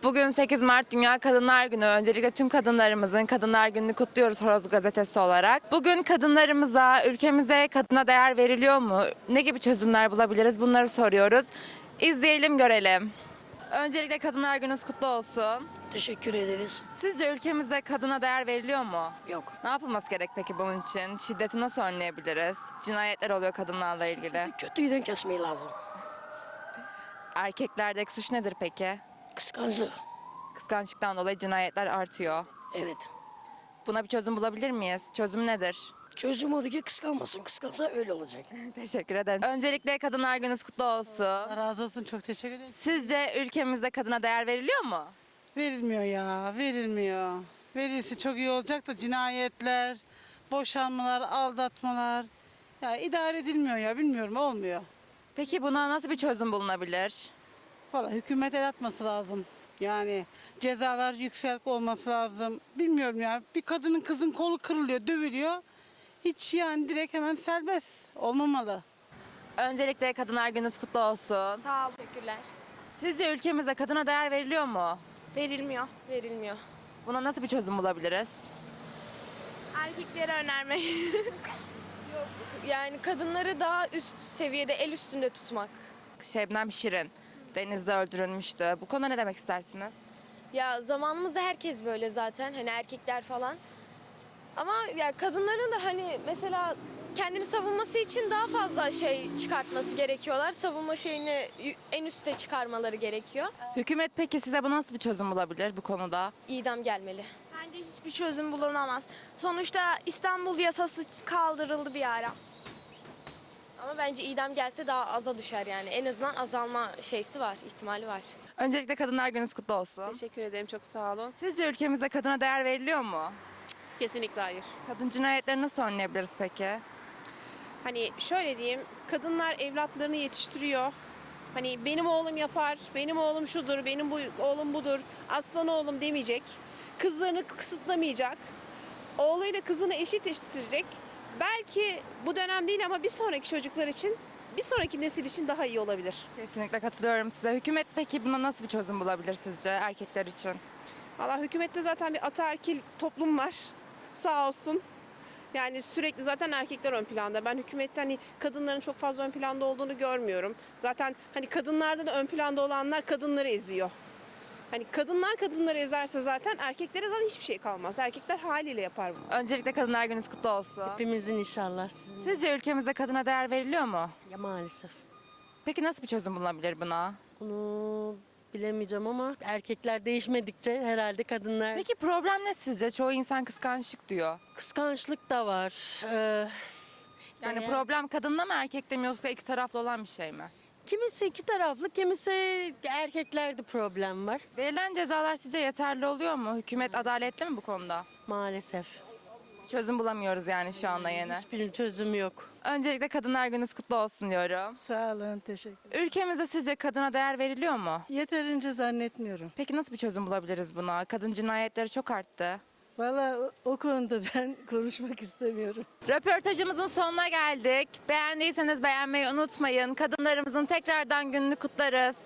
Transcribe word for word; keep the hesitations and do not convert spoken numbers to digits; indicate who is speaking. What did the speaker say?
Speaker 1: Bugün sekiz Mart Dünya Kadınlar Günü. Öncelikle tüm kadınlarımızın Kadınlar Günü'nü kutluyoruz Horoz Gazetesi olarak. Bugün kadınlarımıza, ülkemize kadına değer veriliyor mu? Ne gibi çözümler bulabiliriz? Bunları soruyoruz. İzleyelim, görelim. Öncelikle Kadınlar Gününüz kutlu olsun.
Speaker 2: Teşekkür ederiz.
Speaker 1: Sizce ülkemizde kadına değer veriliyor mu?
Speaker 2: Yok.
Speaker 1: Ne yapılması gerek peki bunun için? Şiddeti nasıl önleyebiliriz? Cinayetler oluyor kadınlarla ilgili.
Speaker 2: Kötüyden kesmeyi lazım.
Speaker 1: Erkeklerdeki suç nedir peki?
Speaker 2: Kıskançlık.
Speaker 1: Kıskançlıktan dolayı cinayetler artıyor.
Speaker 2: Evet.
Speaker 1: Buna bir çözüm bulabilir miyiz? Çözüm nedir?
Speaker 2: Çözüm odur ki kıskanmasın. Kıskansa öyle olacak.
Speaker 1: Teşekkür ederim. Öncelikle Kadınlar Gününüz kutlu olsun.
Speaker 3: Allah razı olsun, çok teşekkür ederim.
Speaker 1: Sizce ülkemizde kadına değer veriliyor mu?
Speaker 3: Verilmiyor ya, verilmiyor. Verilse çok iyi olacak da cinayetler, boşanmalar, aldatmalar. Ya idare edilmiyor ya, bilmiyorum, olmuyor.
Speaker 1: Peki buna nasıl bir çözüm bulunabilir?
Speaker 3: Valla hükümet el atması lazım. Yani cezalar yüksek olması lazım. Bilmiyorum ya, bir kadının kızın kolu kırılıyor, dövülüyor. Hiç yani direkt hemen serbest olmamalı.
Speaker 1: Öncelikle Kadınlar Gününüz kutlu olsun.
Speaker 4: Sağ ol. Teşekkürler.
Speaker 1: Sizce ülkemizde kadına değer veriliyor mu?
Speaker 4: Verilmiyor. Verilmiyor.
Speaker 1: Buna nasıl bir çözüm bulabiliriz?
Speaker 4: Erkeklere önermek. Yok. Yani kadınları daha üst seviyede, el üstünde tutmak.
Speaker 1: Şebnem Şirin denizde öldürülmüştü. Bu konuda ne demek istersiniz?
Speaker 4: Ya zamanımızda herkes böyle zaten. Hani erkekler falan. Ama ya kadınların da hani mesela kendini savunması için daha fazla şey çıkartması gerekiyorlar. Savunma şeyini en üste çıkarmaları gerekiyor.
Speaker 1: Hükümet peki size bu nasıl bir çözüm bulabilir bu konuda?
Speaker 4: İdam gelmeli.
Speaker 5: Bence hiçbir çözüm bulunamaz. Sonuçta İstanbul yasası kaldırıldı bir ara.
Speaker 4: Ama bence idam gelse daha aza düşer yani. En azından azalma şeysi var, ihtimali var.
Speaker 1: Öncelikle Kadınlar Gününüz kutlu olsun.
Speaker 6: Teşekkür ederim, çok sağ olun.
Speaker 1: Sizce ülkemizde kadına değer veriliyor mu?
Speaker 6: Kesinlikle hayır.
Speaker 1: Kadın cinayetleri nasıl önleyebiliriz peki?
Speaker 6: Hani şöyle diyeyim, kadınlar evlatlarını yetiştiriyor. Hani benim oğlum yapar, benim oğlum şudur, benim bu oğlum budur, aslan oğlum demeyecek. Kızlarını kısıtlamayacak. Oğluyla kızını eşit eşitleyecek. Belki bu dönem değil ama bir sonraki çocuklar için, bir sonraki nesil için daha iyi olabilir.
Speaker 1: Kesinlikle katılıyorum size. Hükümet peki buna nasıl bir çözüm bulabilir sizce erkekler için?
Speaker 6: Valla hükümette zaten bir ataerkil toplum var. Sağ olsun. Yani sürekli zaten erkekler ön planda. Ben hükümette hani kadınların çok fazla ön planda olduğunu görmüyorum. Zaten hani kadınlarda da ön planda olanlar kadınları eziyor. Hani kadınlar kadınları ezerse zaten erkeklere zaten hiçbir şey kalmaz. Erkekler haliyle yapar bunu.
Speaker 1: Öncelikle Kadınlar Gününüz kutlu olsun.
Speaker 7: Hepimizin inşallah. Sizin
Speaker 1: Sizce ülkemizde kadına değer veriliyor mu?
Speaker 7: ya maalesef.
Speaker 1: Peki nasıl bir çözüm bulunabilir buna?
Speaker 7: Bunu bilemeyeceğim ama erkekler değişmedikçe herhalde kadınlar
Speaker 1: Peki problem ne sizce? Çoğu insan kıskançlık diyor.
Speaker 7: kıskançlık da var. Ee,
Speaker 1: Yani
Speaker 7: değer-
Speaker 1: problem kadında mı erkekte mi yoksa iki taraflı olan bir şey mi?
Speaker 7: kimisi iki taraflı, kimisi erkeklerde problem var
Speaker 1: Verilen cezalar sizce yeterli oluyor mu? Hükümet adaletli mi bu konuda?
Speaker 7: maalesef.
Speaker 1: Çözüm bulamıyoruz yani şu anda yine.
Speaker 7: Hiçbir çözüm yok.
Speaker 1: Öncelikle Kadınlar Gününüz kutlu olsun diyorum.
Speaker 3: Sağ olun, teşekkür.
Speaker 1: Ülkemizde sizce kadına değer veriliyor mu?
Speaker 3: Yeterince zannetmiyorum.
Speaker 1: Peki nasıl bir çözüm bulabiliriz buna? Kadın cinayetleri çok arttı.
Speaker 3: Valla o, o konuda ben konuşmak istemiyorum.
Speaker 1: Röportajımızın sonuna geldik. Beğendiyseniz beğenmeyi unutmayın. Kadınlarımızın tekrardan gününü kutlarız.